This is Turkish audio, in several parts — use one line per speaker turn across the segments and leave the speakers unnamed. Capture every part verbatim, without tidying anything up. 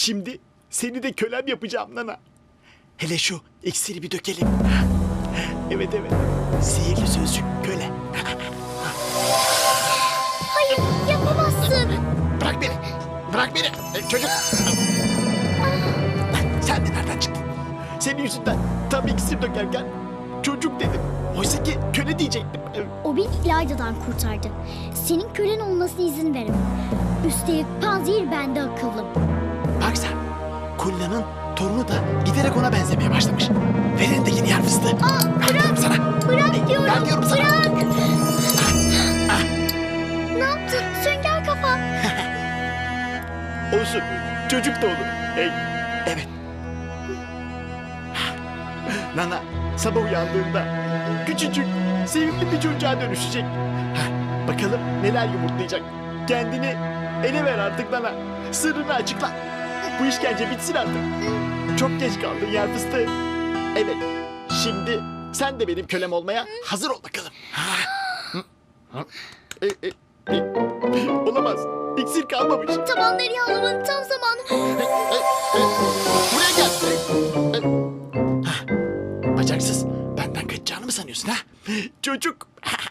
Şimdi seni de kölem yapacağım Nana. Hele şu iksiri bir dökelim. Evet evet. Sihirli sözcük köle.
Hayır, yapamazsın.
Bırak beni. Bırak beni. E, çocuk. Sen de nereden çıktın? Senin yüzünden tam iksir dökerken çocuk dedim. Oysa ki köle diyecektim.
O beni İlayda'dan kurtardı. Senin kölen olmasına izin veremem. Üstelik panzehir bende akıllım.
Bak sen. Kulina'nın torunu da giderek ona benzemeye başlamış. Verin de yeni yer fıstığı.
Aa,
Ver diyorum sana.
Bırak
Hey,
diyorum.
ver diyorum sana.
Bırak. Ne yaptın? Sünger kafa.
Olsun. Çocuk da olur. Hey. Evet. Nana sabah uyandığında küçücük, sevimli bir çocuğa dönüşecek. Heh, bakalım neler yumurtlayacak. Kendini ele ver artık Nana. Sırrını açıkla. Bu işkence bitsin artık. Çok geç kaldın yer fıstığı. Evet. Şimdi sen de benim kölem olmaya hazır ol bakalım. Ha. Hı, hı. E, e, e. Olamaz. İksir kalmamış.
Tabanları yağlamanın tam zamanı.
Buraya gel. Hah, bacaksız. Benden kaçacağını mı sanıyorsun ha? Çocuk.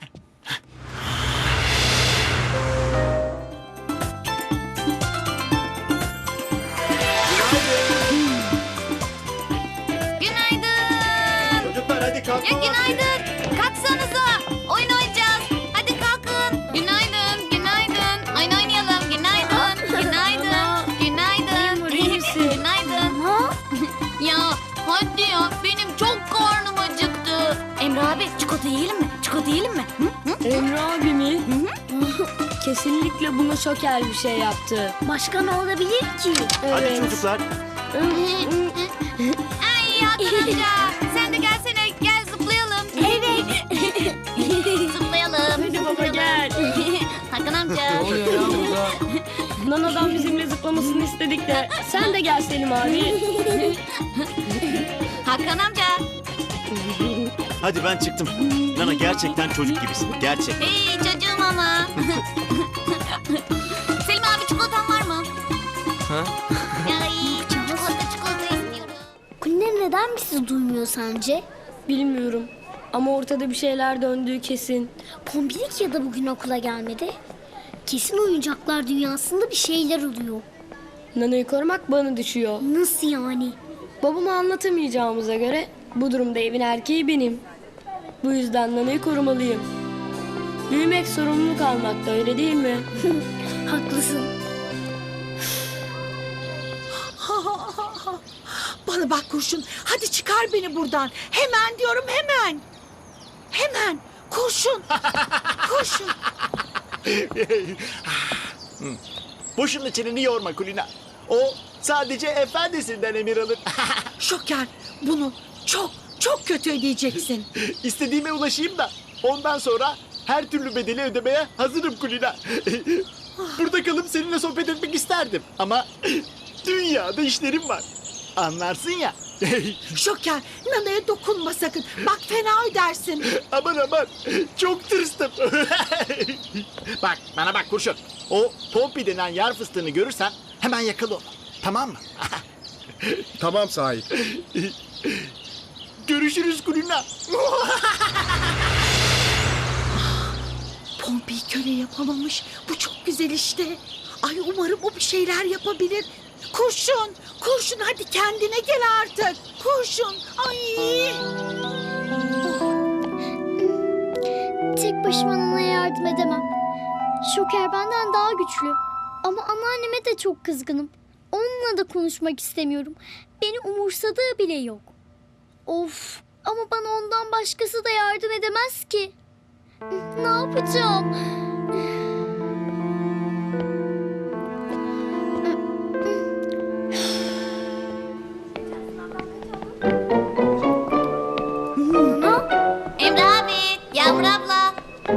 Günaydın.
Çocuklar hadi kalkın.
Ya günaydın. Kalksanıza. Oyun oynayacağız. Hadi kalkın. Günaydın. Günaydın. Oyun oynayalım. Günaydın. Günaydın. Günaydın. Günaydın.
Ha?
Ya hadi ya. Benim çok karnım acıktı. Emre abi çikolata yiyelim mi? Çikolata yiyelim mi? Hı? Hı?
Emre abi mi? Kesinlikle buna şoker bir şey yaptı.
Başka ne olabilir ki?
Hadi çocuklar.
Ay Hakan amca. Sen de gelsene. Gel zıplayalım.
Evet.
Zıplayalım.
Hadi baba gel.
Hakan amca.
oluyor ya burada? Nana'dan bizimle zıplamasını istedik de sen de gel Selim abi.
Hakan amca.
Hadi ben çıktım. Nana gerçekten çocuk gibisin. Gerçek.
Hey çocuğum ama. Selim abi çikolatan var mı?
Ha?
Ay çikolata çikolata istiyorum.
Kulina neden bizi duymuyor sence?
Bilmiyorum ama ortada bir şeyler döndüğü kesin.
Pompilik ya da bugün okula gelmedi. Kesin oyuncaklar dünyasında bir şeyler oluyor.
Nana'yı korumak bana düşüyor.
Nasıl yani?
Babama anlatamayacağımıza göre bu durumda evin erkeği benim. Bu yüzden Nana'yı korumalıyım. Büyümek sorumluluk almakta, öyle değil mi?
Haklısın.
Bana bak kurşun. Hadi çıkar beni buradan. Hemen diyorum hemen. Hemen. Kurşun. Kurşun.
Boşuna çeneni yorma Kulina. O sadece efendisinden emir alır.
Şoker. Bunu çok çok kötü ödeyeceksin.
İstediğime ulaşayım da ondan sonra her türlü bedeli ödemeye hazırım Kulina. Burada kalıp seninle sohbet etmek isterdim. Ama dünyada işlerim var. Anlarsın ya.
Şoker. Nana'ya dokunma sakın. Bak fena ödersin.
Aman aman. Çok tırstım. Bak bana bak kurşun. O Pompi denen yer fıstığını görürsen hemen yakala onu. Tamam mı?
Tamam sahip.
Görüşürüz Kulina.
Pompi'yi köle yapamamış. Bu çok güzel işte. Ay umarım o bir şeyler yapabilir. Kurşun. Kurşun hadi kendine gel artık. Kurşun. Ay.
Tek başıma Nana'ya yardım edemem. Şoker benden daha güçlü. Ama anneanneme de çok kızgınım. Onunla da konuşmak istemiyorum. Beni umursadığı bile yok. Of, ama bana ondan başkası da yardım edemez ki. Ne yapacağım?
Emre abi, Yağmur abla.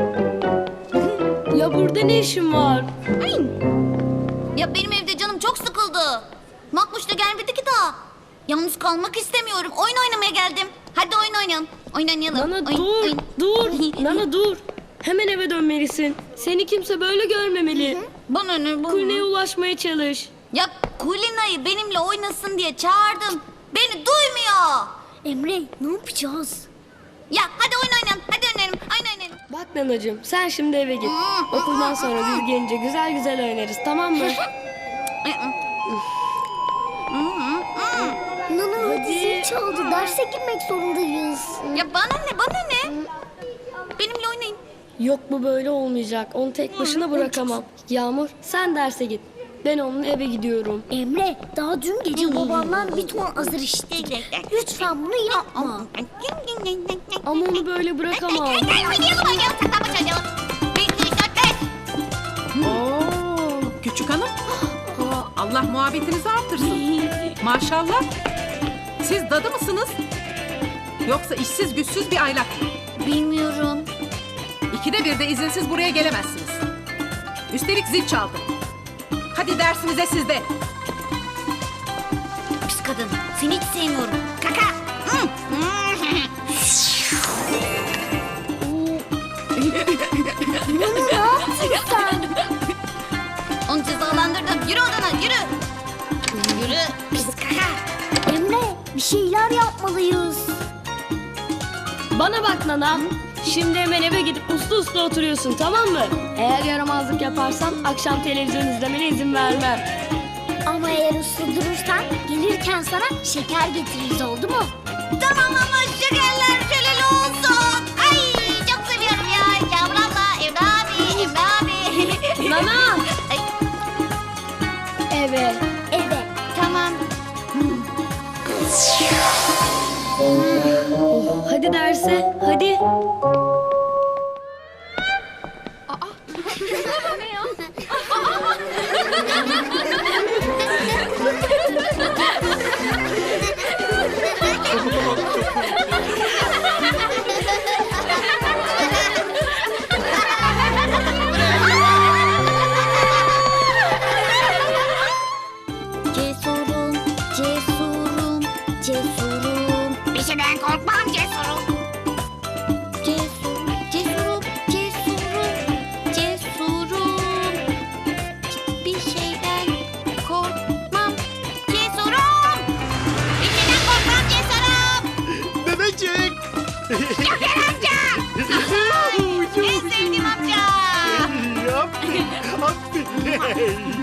Ya burada ne işin var?
Ya benim evde canım çok sıkıldı. Makbuş da gelmedi ki daha. Yalnız kalmak istemiyorum. Oyun oynamaya geldim. Hadi oyun oynayalım. Oyun oynayalım.
Nana
Oyun,
dur,
oyun.
dur. Nana dur. Hemen eve dönmelisin. Seni kimse böyle görmemeli.
Bana ne bana?
Kulina'ya ulaşmaya çalış.
Ya Kulina'yı benimle oynasın diye çağırdım. Beni duymuyor.
Emre ne yapacağız?
Ya hadi oyun oynayalım. Hadi oynayalım. Oyun oynayalım.
Bak nanacığım sen şimdi eve git. Okuldan sonra biz gelince güzel güzel oynarız tamam mı?
Nana hadi zil çaldı. Derse girmek zorundayız.
Ya bana ne bana ne? Benimle oynayın.
Yok bu böyle olmayacak. Onu tek başına bırakamam. Yağmur sen derse git. Ben onun eve gidiyorum.
Emre daha dün gece babamdan bir ton azar işittik. Lütfen bunu yapma.
Ama onu böyle bırakamam.
Gel oynayalım oynayalım. Saklambaç oynayalım. Bir, iki, üç, dört, beş.
Oo, küçük hanım. Allah muhabbetinizi artırsın. Maşallah. Siz dadı mısınız? Yoksa işsiz güçsüz bir aylak mı?
Bilmiyorum.
İkide bir de izinsiz buraya gelemezsiniz. Üstelik zil çaldı. Hadi dersinize siz de.
Pis kadın. Seni hiç sevmiyorum. Kaka. Hı.
Nana ne yaptın sen?
Onu cezalandırdım. Yürü odana yürü. Yürü. Pis kaka.
Emre bir şeyler yapmalıyız.
Bana bak Nana. Şimdi hemen eve gidip uslu uslu oturuyorsun tamam mı? Eğer yaramazlık yaparsan akşam televizyon izlemene izin vermem.
Ama eğer uslu durursan gelirken sana şeker getiririz oldu mu?
Tamam ama şekerler şöleli olsun. Ay çok seviyorum ya. Yağmur abla, Emre abi, Emre abi.
Nana!
Ay,
Eve.
Evet tamam.
Hadi derse hadi.
Cesurum, cesurum, cesurum.
bir şeyden korkmam cesurum.
Cesur, cesurum, cesurum, cesurum.
Bir şeyden korkmam cesurum. Bir şeyden korkmam cesurum.
Bebecik.
En sevdiğim amca.
Aferin, aferin.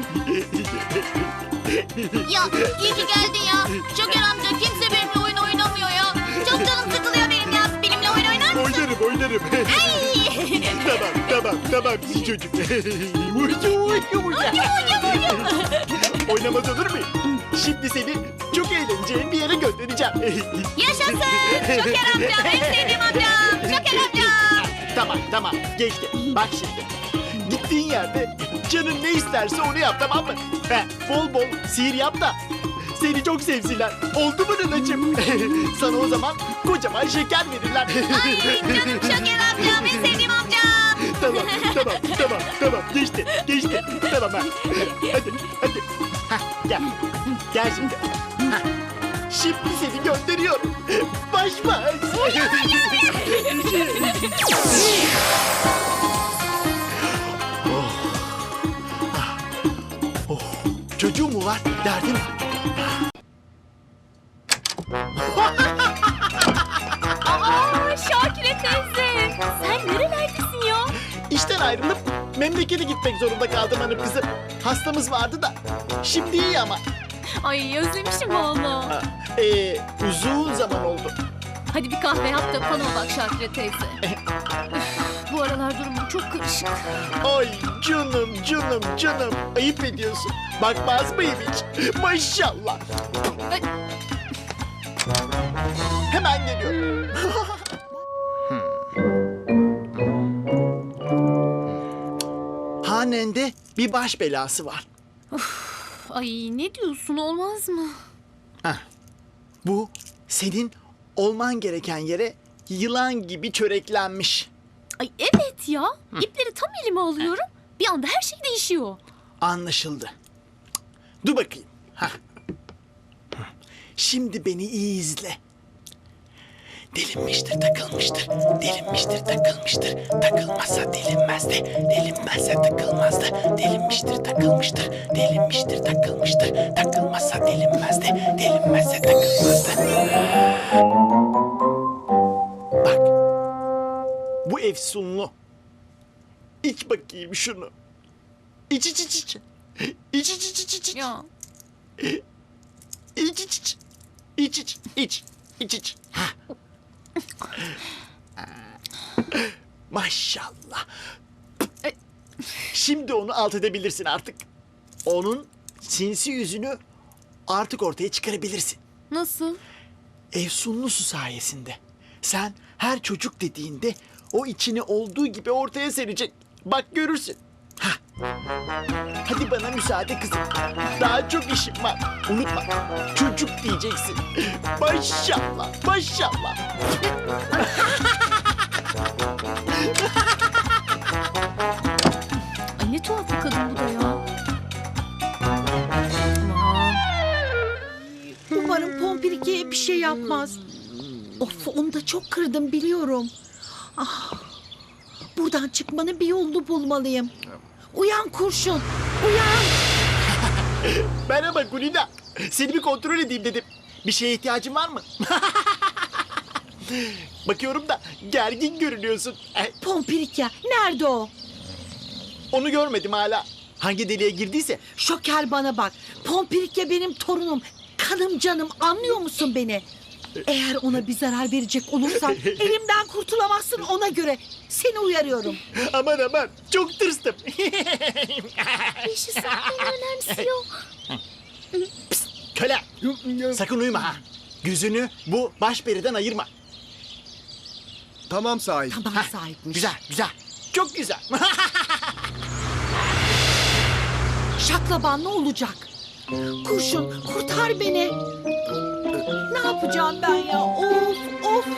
Ya iyi ki geldin ya. Şoker amca kimse benimle oyun oynamıyor ya. Çok canım sıkılıyor benim ya. Benimle oyun oynar mısın?
Oynarım, oynarım.
Ay.
Tamam, tamam, tamam siz çocuk. Uyucu, uyucu, uyucu. Oynamaz olur mu? Şimdi seni çok eğleneceğin bir yere göndereceğim.
Yaşasın. Şoker amcam en sevdiğim amcam. Şoker amcam.
Tamam, tamam. Geçti. Bak şimdi. Gittiğin yerde canın ne isterse onu yap, tamam mı? He, bol bol sihir yap da seni çok sevsinler. Oldu mu nanacığım? Sana o zaman kocaman şeker verirler.
Ay canım Şoker amcam en sevdiğim amcam.
Tamam, tamam, tamam, tamam. Geçti, geçti. Tamam ha. Hadi, hadi. Hah, gel. Gel şimdi. Hah. Şimdi seni gönderiyorum. Baş baş. Oh. Ah. Oh. Çocuğum mu var? Derdin var.
Aa Şakire teyze. Sen nerelerdesin ya?
İşten ayrılıp memlekete gitmek zorunda kaldım hanım kızım. Hastamız vardı da. Şimdi iyi ama.
Ay özlemişim valla.
Ha, Ee, uzun zaman oldu.
Hadi bir kahve yap da bana bak Şakire teyze. Üf, bu aralar durumum çok karışık.
Ay canım canım canım. Ayıp ediyorsun. Bakmaz mıyım hiç? Maşallah.
Ay.
Hemen geliyorum. Hanende bir baş belası var.
Ay ne diyorsun olmaz mı?
Heh. Bu senin olman gereken yere yılan gibi çöreklenmiş.
Ay evet ya. İpleri tam elime alıyorum. Bir anda her şey değişiyor.
Anlaşıldı. Dur bakayım. Hah. Şimdi beni iyi izle. Delinmiştir, takılmıştır. Delinmiştir, takılmıştır. Takılmazsa delinmezdi. Delinmezse takılmazdı. Delinmiştir, takılmıştır. Delinmiştir, takılmıştır. Takılmazsa delinmezdi. Delinmezse takılmazdı. Bak. Bu efsunlu. İç bakayım şunu. İç iç iç iç. İç iç iç iç iç.
Ya.
İç iç iç. İç iç iç. İç iç. Ha. Maşallah. Şimdi onu alt edebilirsin artık. Onun sinsi yüzünü artık ortaya çıkarabilirsin.
Nasıl?
Efsunlu su sayesinde. Sen her çocuk dediğinde o içini olduğu gibi ortaya serecek. Bak görürsün. Hah. Hadi bana müsaade kızım. Daha çok işim var. Unutma. Çocuk diyeceksin. Maşallah. Maşallah.
Ay ne tuhaf bir kadın bu da ya. Aman.
Umarım Pompirike'ye bir şey yapmaz. Of, onu da çok kırdım biliyorum. Ah, buradan çıkmanın bir yolunu bulmalıyım. Uyan kurşun, uyan.
Merhaba Gulina. Seni bir kontrol edeyim dedim. Bir şeye ihtiyacın var mı? Bakıyorum da gergin görünüyorsun. Eh,
Pompirike, nerede o?
Onu görmedim hala. Hangi deliğe girdiyse.
Şoker bana bak. Pompirike benim torunum. Kanım canım, anlıyor musun beni? Eğer ona bir zarar verecek olursan elimden kurtulamazsın ona göre. Seni uyarıyorum.
Aman aman çok tırstım.
Yaşasın beni önemsiyor.
Köle sakın uyuma ha. Gözünü bu başperiden ayırma.
Tamam sahip.
Tamam sahipmiş.
Güzel güzel. Çok güzel.
Şaklaban ne olacak? Kurşun kurtar beni. Ne yapacağım ben ya? Of of.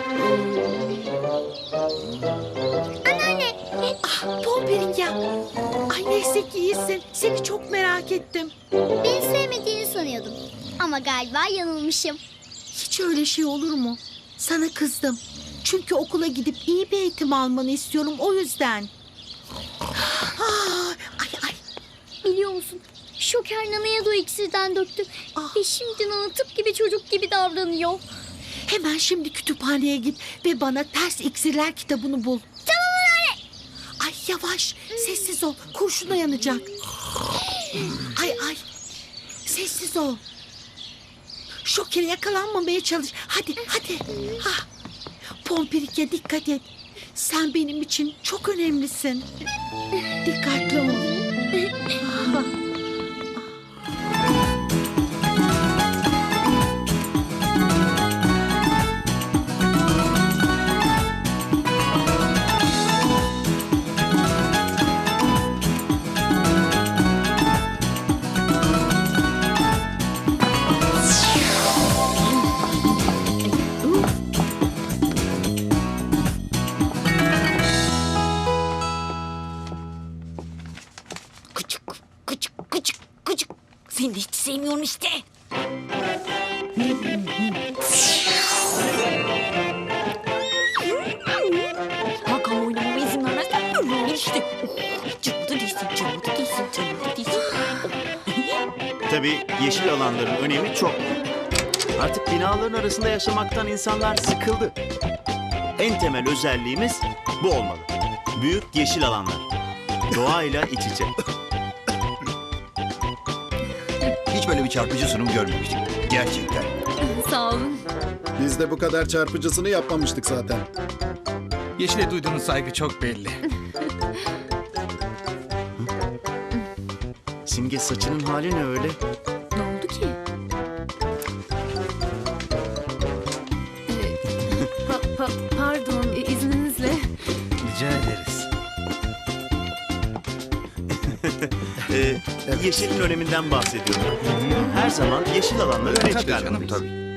Anneanne.
Ah, Pompirike. Ay neyse ki iyisin. Seni çok merak ettim.
Beni sevmediğini sanıyordum. Ama galiba yanılmışım.
Hiç öyle şey olur mu? Sana kızdım. Çünkü okula gidip iyi bir eğitim almanı istiyorum o yüzden. Ah, ay ay.
Biliyor musun? Şoker Nana'ya da o iksirden döktü.
Ah.
Ve şimdi Nana tıp gibi çocuk gibi davranıyor.
Hemen şimdi kütüphaneye git ve bana ters iksirler kitabını bul.
Tamam anne.
Ay yavaş, sessiz ol. Kurşuna yanacak. Ay ay. Sessiz ol. Şokere yakalanmamaya çalış. Hadi hadi. Ha. Pompirike dikkat et. Sen benim için çok önemlisin. Dikkatli ol. Ah.
Küçük, küçük, küçük, küçük. Seni de hiç sevmiyorum işte. Hakan oynamama izin vermezsen böyle işte. Cıvıdı değilsin, cıvıdı değilsin, cıvıdı değilsin.
Tabii yeşil alanların önemi çok büyük. Artık binaların arasında yaşamaktan insanlar sıkıldı. En temel özelliğimiz bu olmalı. Büyük yeşil alanlar. Doğayla iç içe.
Hiç böyle bir çarpıcı sunum görmemiştik. Gerçekten.
Sağ olun.
Biz de bu kadar çarpıcısını yapmamıştık zaten.
Yeşil'e duyduğunuz saygı çok belli.
Simge saçının hali ne öyle?
Ne oldu ki? Ee, pa- pa- pardon, e, izninizle.
Rica ederiz.
Ee, Yeşilin öneminden bahsediyorum. Her zaman yeşil alanları öne
Tabii canım
çıkarmalıyız.
tabii.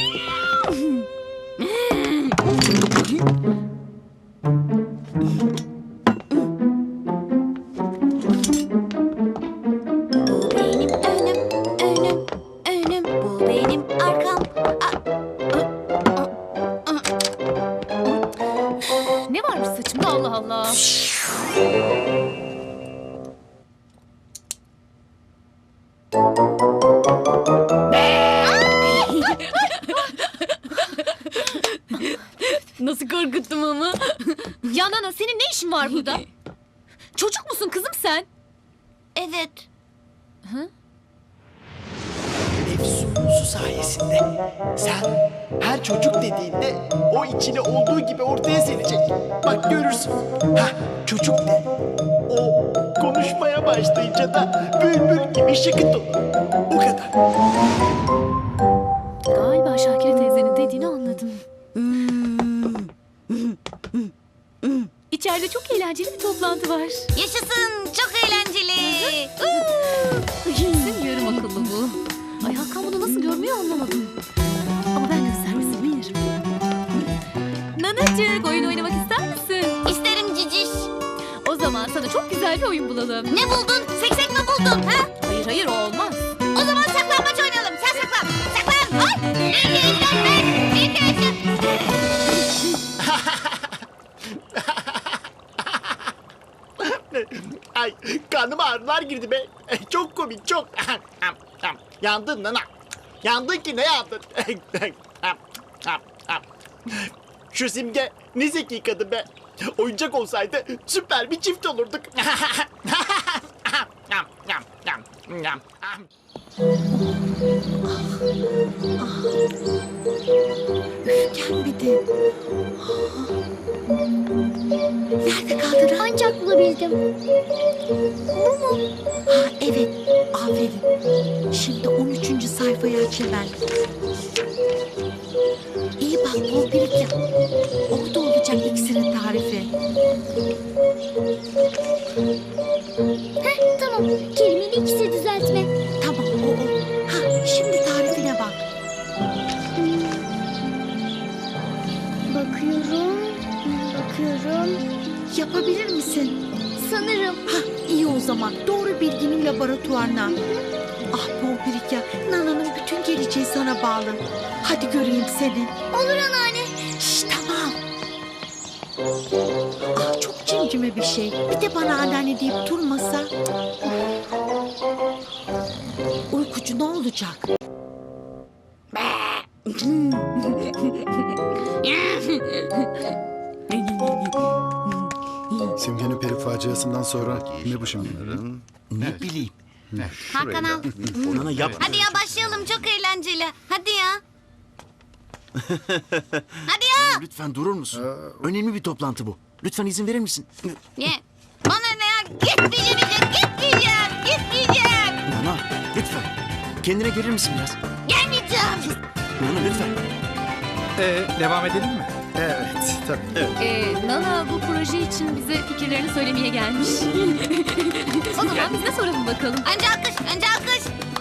Bu benim önüm, önüm, önüm. Bu benim arkam. A- a- a- a-
senin ne işin var burada? Çocuk musun kızım sen?
Evet.
Efsunusu sayesinde sen her çocuk dediğinde o içine olduğu gibi ortaya serecek. Bak görürsün. Ha çocuk de. O konuşmaya başlayınca da bülbül gibi şıkıt olur. O kadar.
Galiba Şakire teyzenin dediğini anladım. İçeride çok eğlenceli bir toplantı var.
Yaşasın, çok eğlenceli.
Kesin yarım akıllı bu. Ay Hakan bunu nasıl görmüyor anlamadım. Ama ben de servisi bilirim. Nanacık oyun oynamak ister misin?
İsterim ciciş.
O zaman sana çok güzel bir oyun bulalım.
Ne buldun? Seksek mi buldun? Ha?
Hayır hayır o olmaz.
O zaman saklambaç oynayalım. Sen saklan. Saklan. Ay. Bir kere saklan. Bir kere saklan.
Ay karnıma ağrılar girdi be. Çok komik çok. Yandın nana. Yandın ki ne yandın? Şu Simge ne zeki kadın be. Oyuncak olsaydı süper bir çift olurduk.
Gelmedi. Nerede kaldın?
Ancak bulabildim.
Ha evet, aferin. Şimdi on üçüncü sayfayı aç hemen. İyi bak Pompirik yap. Orada olacak iksirin tarifi.
Heh, tamam. Kelimenin ikisi düzeltme.
Tamam o o. Ha şimdi tarifine bak.
Bakıyorum. Bakıyorum.
Yapabilir misin?
Sanırım.
Ha iyi o zaman. Doğru bilginin laboratuvarına. Ah Pompirik ya. Nana'nın bütün geleceği sana bağlı. Hadi göreyim seni.
Olur anneanne.
Şşş tamam. Ah çok cimcime bir şey. Bir de bana anneanne deyip durmasa. Uykucu ne olacak?
Simge'nin peri faciasından sonra ne bu şimdi?
Ne bileyim.
Hakan al.
Nana yapma.
Hadi ya başlayalım. Çok eğlenceli. Hadi ya. Hadi ya.
Lütfen durur musun? Önemli bir toplantı bu. Lütfen izin verir misin?
Ne? Bana ne ya? Gitmeyeceğim. Gitmeyeceğim. Gitmeyeceğim.
Nana lütfen. Kendine gelir misin biraz?
Gelmeyeceğim.
Nana lütfen.
Ee, devam edelim mi?
Evet, tabii.
Ee, Nana bu proje için bize fikirlerini söylemeye gelmiş. O zaman biz de soralım bakalım.
Önce alkış. Önce alkış.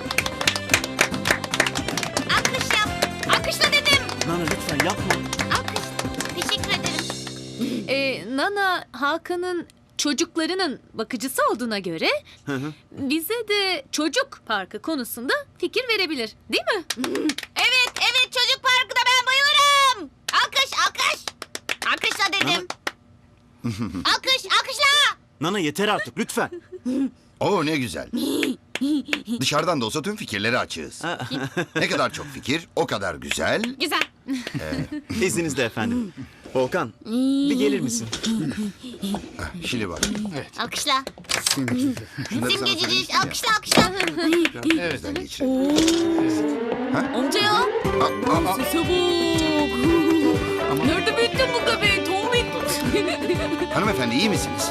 Alkış yap. Alkışla dedim.
Nana lütfen yapma.
Alkış. Teşekkür ederim.
Ee, Nana Hakan'ın çocuklarının bakıcısı olduğuna göre bize de çocuk parkı konusunda fikir verebilir, değil mi?
Evet, evet çocuk parkında ben bayılırım. Alkış, alkış. Alkışla dedim. Alkış, alkışla.
Nana yeter artık lütfen.
Oo ne güzel. Dışarıdan da olsa tüm fikirleri açığız. Ne kadar çok fikir, o kadar güzel.
Güzel.
İzninizle efendim. Volkan bir gelir misin?
Şimdi bak.
Alkışla.
Şunları sana
Simgecici,
söyleyeyim ya.
alkışla, alkışla.
Gözden geçirelim.
Amca ya.
Aa, aa,
Sese bak. Nerede büyüttün bu göbeği Tomik?
hanımefendi iyi misiniz?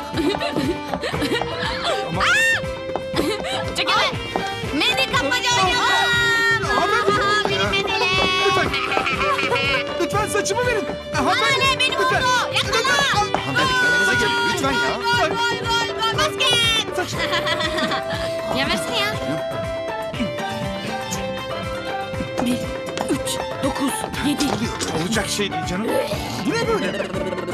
Çekilin. Mendil kapmaca oynayalım. Aha, benim mendilim.
Lütfen saçımı verin.
Bana ne, benim oldu. Yakala.
Hanımefendi kendinize gelin lütfen ya.
Gol, gol, gol, gol, basket. Ya versene ya.
Olacak şey değil canım. Bu ne böyle?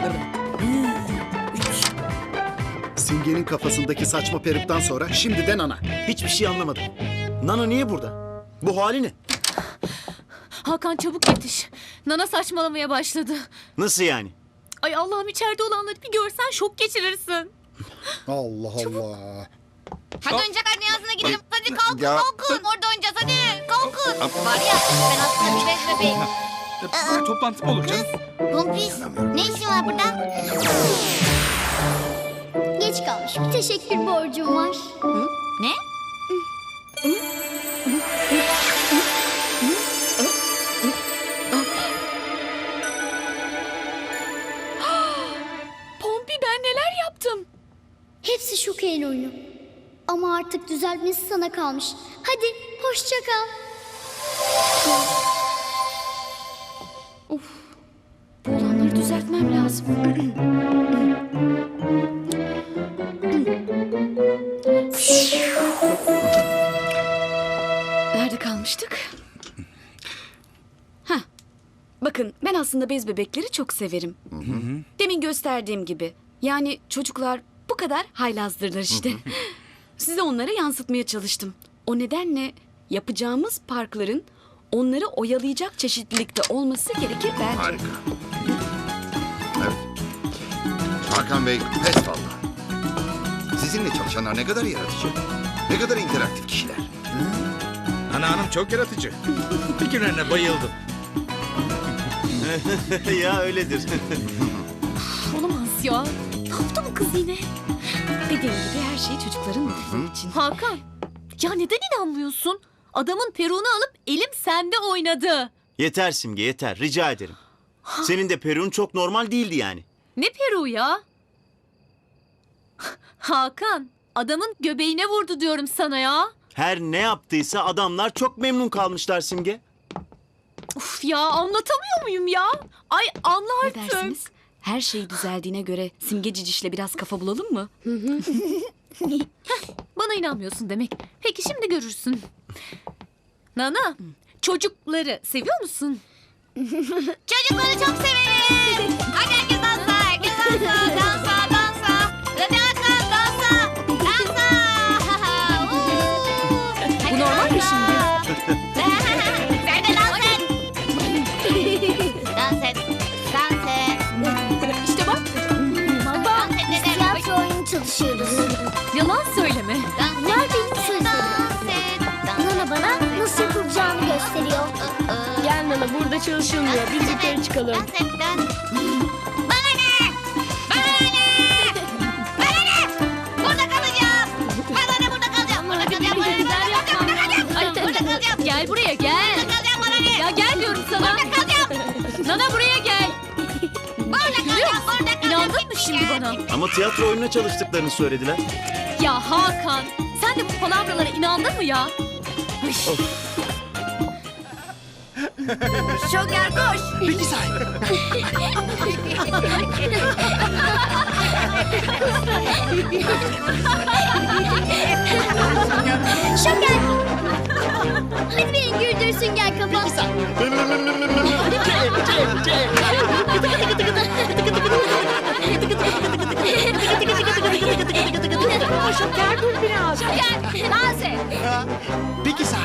Simge'nin kafasındaki saçma peruktan sonra şimdi de Nana.
Hiçbir şey anlamadım. Nana niye burada? Bu hali ne?
Hakan çabuk yetiş. Nana saçmalamaya başladı.
Nasıl yani?
Ay Allah'ım içeride olanları bir görsen şok geçirirsin.
Allah Allah.
Hadi oyuncak dünyasına gidelim. Hadi kalkın,
Ya.
kalkın. Orada oynayacağız hadi. Kalkın. Var ya ben aslında bir bez bebeğim.
Toplantı mı olur canım?
Pompis, ne işin var burada?
Geç kalmış bir teşekkür borcum var.
Ne?
Pompi ben neler yaptım?
Hepsi Şoker'in oyunu. Ama artık düzeltmesi sana kalmış. Hadi hoşça kal.
Bu olanları düzeltmem lazım. Nerede kalmıştık? Heh. Bakın ben aslında bez bebekleri çok severim. Demin gösterdiğim gibi. Yani çocuklar bu kadar haylazdırlar işte. Size onlara yansıtmaya çalıştım. O nedenle yapacağımız parkların onları oyalayacak çeşitlilikte olması gerekir bence.
Harika. Evet. Hakan Bey, pes valla. Sizinle çalışanlar ne kadar yaratıcı. Ne kadar interaktif kişiler.
Ana hanım çok yaratıcı. Fikirlerine bayıldım.
Ya öyledir.
Olamaz ya. Ne yaptı bu kız yine? Dediğim gibi her şey çocukların mutluluğu için. Hakan, ya neden inanmıyorsun? Adamın peruğunu alıp elim sende oynadı.
Yeter Simge yeter rica ederim. Senin de peruğun çok normal değildi yani.
Ne peruğu ya? Hakan, adamın göbeğine vurdu diyorum sana ya.
Her ne yaptıysa adamlar çok memnun kalmışlar Simge.
Uf ya, anlatamıyor muyum ya? Ay anla
Ne
artık.
dersiniz? Her şey düzeldiğine göre Simge Ciciş'le biraz kafa bulalım mı?
Bana inanmıyorsun demek. Peki şimdi görürsün. Nana, çocukları seviyor musun?
Çocukları çok severim. Hadi herkes dansa, herkes dansa, dansa, dansa. Hadi herkes dansa, dansa.
Bu normal mi şimdi?
Sen de dans et. Dans et, dans et.
İşte bak,
Baba
Dans et
biz
dedim.
tiyatro oyunu çalışıyoruz.
yalan söyleme.
Dans et,
Bunlar benim sözlerim.
dans et, dans et.
Nana bana nasıl yapılacağını gösteriyor.
Gel Nana, burada çalışılmıyor. Biz yukarı çıkalım.
Dans et, dans. Bana ne? Bana ne? Bana ne? Burada kalacağım. Bana ne burada kalacağım. Burada kalacağım. Burada kalacağım. Burada kalacağım.
Ay,
Burada kalacağım.
Gel buraya gel.
Burada kalacağım. Bana ne?
Ya gel diyorum sana.
Burada kalacağım.
Nana buraya gel.
Burada
Görüyor
kalacağım.
musun?
Burada kalacağım.
İnandın mı şimdi bana?
Ama tiyatro oyununa çalıştıklarını söylediler.
Ya Hakan, sen de bu palavralara inandın mı ya? Ay.
Şoker koş.
Peki say.
Şoker! Hadi beni güldürsün gel kafa.
Şoker dur biraz.
Şoker dans et.
Peki say.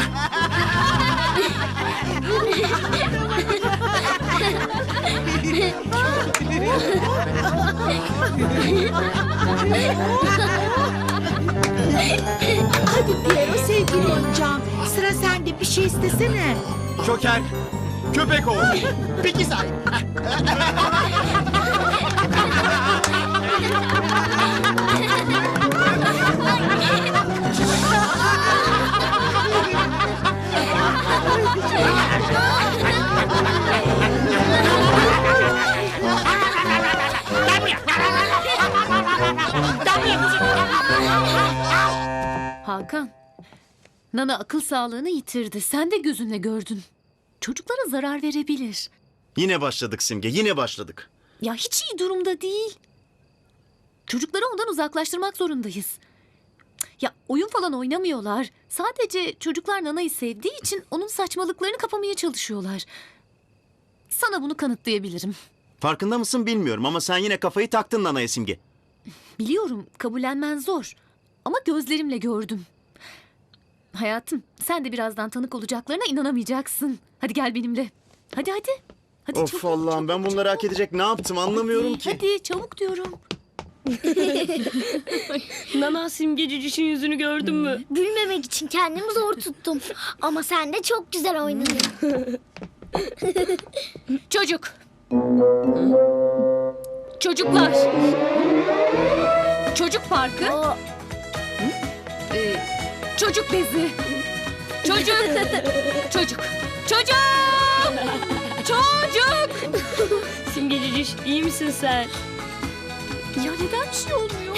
Hadi Piero sevgili oyuncağım. Sıra sende, bir şey istesene.
Şoker, köpek ol.
Peki say.
Hakan, Nana akıl sağlığını yitirdi. Sen de gözünle gördün. Çocuklara zarar verebilir.
Yine başladık Simge yine başladık.
Ya hiç iyi durumda değil. Çocukları ondan uzaklaştırmak zorundayız. Ya oyun falan oynamıyorlar. Sadece çocuklar Nana'yı sevdiği için onun saçmalıklarını kapamaya çalışıyorlar. Sana bunu kanıtlayabilirim.
Farkında mısın bilmiyorum ama sen yine kafayı taktın Nana'ya Simge.
Biliyorum, kabullenmen zor. Ama gözlerimle gördüm. Hayatım, sen de birazdan tanık olacaklarına inanamayacaksın. Hadi gel benimle. Hadi hadi. Hadi
Of
çabuk,
Allah'ım
çabuk,
ben bunları hak
çabuk.
edecek ne yaptım anlamıyorum
Hadi,
ki.
Hadi çabuk diyorum.
Nana, Simge Ciciş'in yüzünü gördün mü?
Gülmemek için kendimi zor tuttum. Ama sen de çok güzel oynadın.
Çocuk. Çocuklar. Çocuk parkı. Ee, çocuk bezi. Çocuk. Çocuk. Çocuk. Çocuk.
Simge Ciciş iyi misin sen?
Ya neden bir şey olmuyor?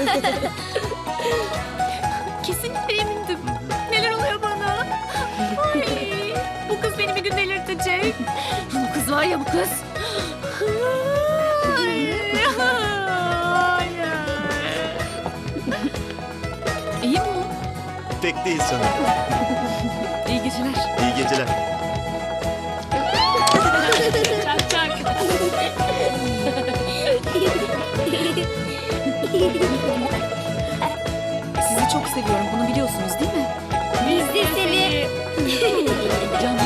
Kesinlikle emindim. Neler oluyor bana? Ay, bu kız beni bir gün delirtecek. Bu kız var ya bu kız. Ay, ay. İyi mi o?
Pek değil sanırım.
İyi geceler.
İyi geceler.
Çak çak.
Sizi çok seviyorum. Bunu biliyorsunuz değil mi?
Biz de seni.
Canım.